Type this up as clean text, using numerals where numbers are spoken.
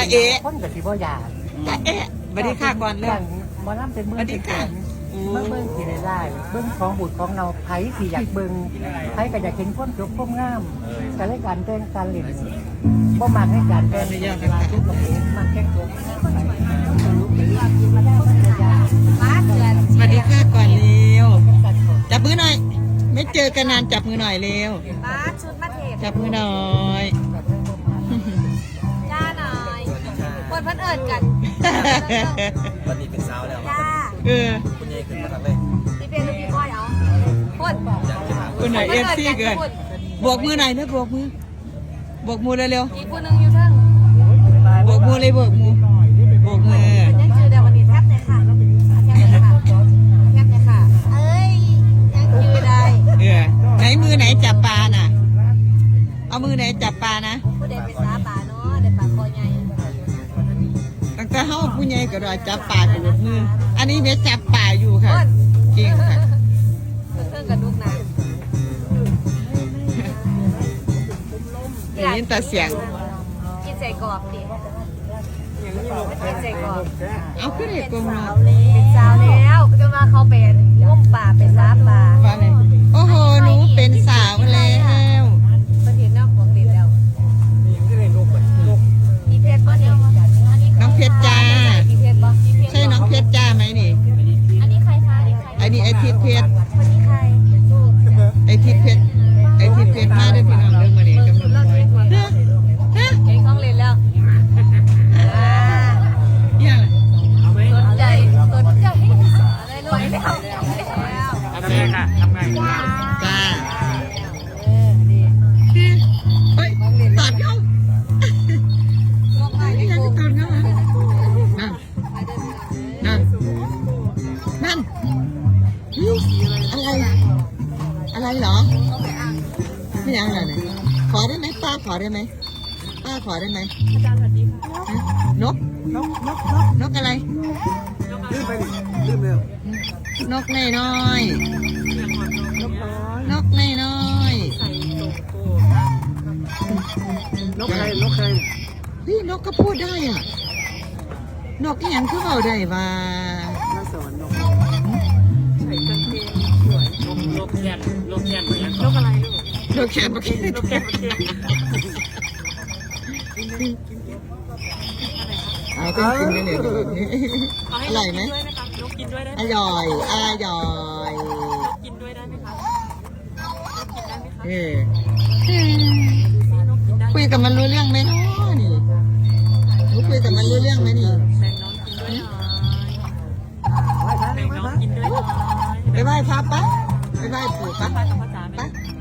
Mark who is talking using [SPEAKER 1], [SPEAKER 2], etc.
[SPEAKER 1] เอ๋
[SPEAKER 2] คนกับสิบ่อยาก
[SPEAKER 1] จะเอ๋บัดนี้ค่ะก่อนเริ่ม
[SPEAKER 2] หมอลำเป็นเมืองเป็นแสนเมืองที่ได้เบิ้งของบุตรของเราไผสิอยากเบิ้งไผก็อยากเห็นความจบความงามการเล่นการแต่งการเล่นบ่มักให้การแต่งเวลาทุกคนมันแค่ตัว
[SPEAKER 1] สวัสดีค่ะก่อนเร็วจับมือหน่อยไม่เจอกันนานจับมือหน่อยเร็ว
[SPEAKER 3] บ้าชุดมาเทศ
[SPEAKER 1] จับมือหน่อย
[SPEAKER 3] ย่าหน่อยคนเพิ่นเอิญกัน
[SPEAKER 4] วันนี้เป็นสาวแล้ว
[SPEAKER 3] ย่า
[SPEAKER 1] เออ
[SPEAKER 4] คุณยายขึ้นมาทำเลย
[SPEAKER 3] พี่เป็นลูกพี่ก้อยเอาคน
[SPEAKER 1] คุณหน่อยเอฟซีเกินบวกมือหน่อยนะบวกมือบวกมือเร็ว
[SPEAKER 3] อีกคนนึงอยู่เทิง
[SPEAKER 1] ๆบวกมือเลยบวกมือบวกมือ
[SPEAKER 3] ยังจือเดี๋ยววันนี้แทบเลยค่ะแทบเลยค่ะแทบเลยค่ะเอ้ยยังจือได้
[SPEAKER 1] เออไหนมือไหนจับปลาน่ะเอามือไหนจับปลานะ
[SPEAKER 3] ผู้ใดไปสาป่าเนาะได้ป่าคอใหญ่
[SPEAKER 1] ตั้งแต่เฮาผู้ใหญ่ก็รอจับปลากับมืออันนี้เมียจับปลาอยู่ค่ะเก่งค่ะ
[SPEAKER 3] เทิงกับลูกนะ
[SPEAKER 1] ได้ยินแต่เสียง
[SPEAKER 3] กินใส่กรอบดิกินใส่กรอบ
[SPEAKER 1] เอาขึ้นเด็กกลมเนาะ
[SPEAKER 3] เป็นสาวแล้วจะมาเขาเป็นง่มป่าเป็นสาป่า
[SPEAKER 1] ว่าไงโอ้โหหนูเป็นสาวแล้ว
[SPEAKER 3] ประเทศนอกของติดแล้วอีเพชรป่ะนี่
[SPEAKER 1] น้องเพชรจ้า
[SPEAKER 3] อีเพชรป่ะ
[SPEAKER 1] ใช่น้องเพชรจ้าไหมนี่
[SPEAKER 3] อันนี้ใครคะ
[SPEAKER 1] ไอ้นี่ไอ้ทิศเพชร
[SPEAKER 3] คนนี้ใคร
[SPEAKER 1] ไอ้ทิศเพชรไอ้ทิศเพชรมาได้พี่น้องเรื่องมาเนี่ยกำลัง
[SPEAKER 3] เราเรียกว่า
[SPEAKER 1] เฮ้ย
[SPEAKER 3] เองต้องเรียนแล้ว
[SPEAKER 1] เนี่ย
[SPEAKER 3] สนใจอะไรรวยแล้ว
[SPEAKER 4] ทำไงค่ะทำไง
[SPEAKER 1] จ้า
[SPEAKER 3] ดี
[SPEAKER 1] เฮ้ยตัดเขา
[SPEAKER 3] งงไป
[SPEAKER 1] นี่
[SPEAKER 3] นี่
[SPEAKER 1] ยัง
[SPEAKER 3] กู
[SPEAKER 1] ตัดเขานั่นนั่นนั่นอะไรอะไรเหรอไม่ยังอะไรเนี่ยขอได้ไหมป้าขอได้ไหมป้าขอได้ไหมอาจารย์สวัสดีค่ะนกนกอะไร
[SPEAKER 4] ลืมไปลืมเร็วน
[SPEAKER 1] กน้อยนกน้อย
[SPEAKER 4] นกใครนกใคร
[SPEAKER 1] พี่นกก็พูดได้อ่ะนกที่ยังคือเอาได้ว่า
[SPEAKER 4] น่าสอนนกใส่กางเกงสวยนกแคนนกแคนเหมือนนกอะไรลูก
[SPEAKER 1] นกแขนปะกี้
[SPEAKER 4] นกแคนเมื่อกี้
[SPEAKER 1] เอาต้องกินได้เลยอร่อยไหม
[SPEAKER 4] นกกินด้วยได้
[SPEAKER 1] อร่อยอร่อย
[SPEAKER 4] นกกินด้วยได้ไหมคะนกกินได้ไหมคะ
[SPEAKER 1] เออน
[SPEAKER 4] กกินได้
[SPEAKER 1] คุยกับมันรู้เรื่องไหมเนาะนี่หนูคุยกับมันรู้เรื่องไหมนี่
[SPEAKER 4] แบ่งน้องกินด้วยหน่อยแบ่งน้องกินด้วยหน่อย
[SPEAKER 1] ไปไหว้พระปะไปไหว้ปู่ปะ
[SPEAKER 4] ไปกับพ่อจ๋าไหม
[SPEAKER 1] ปะ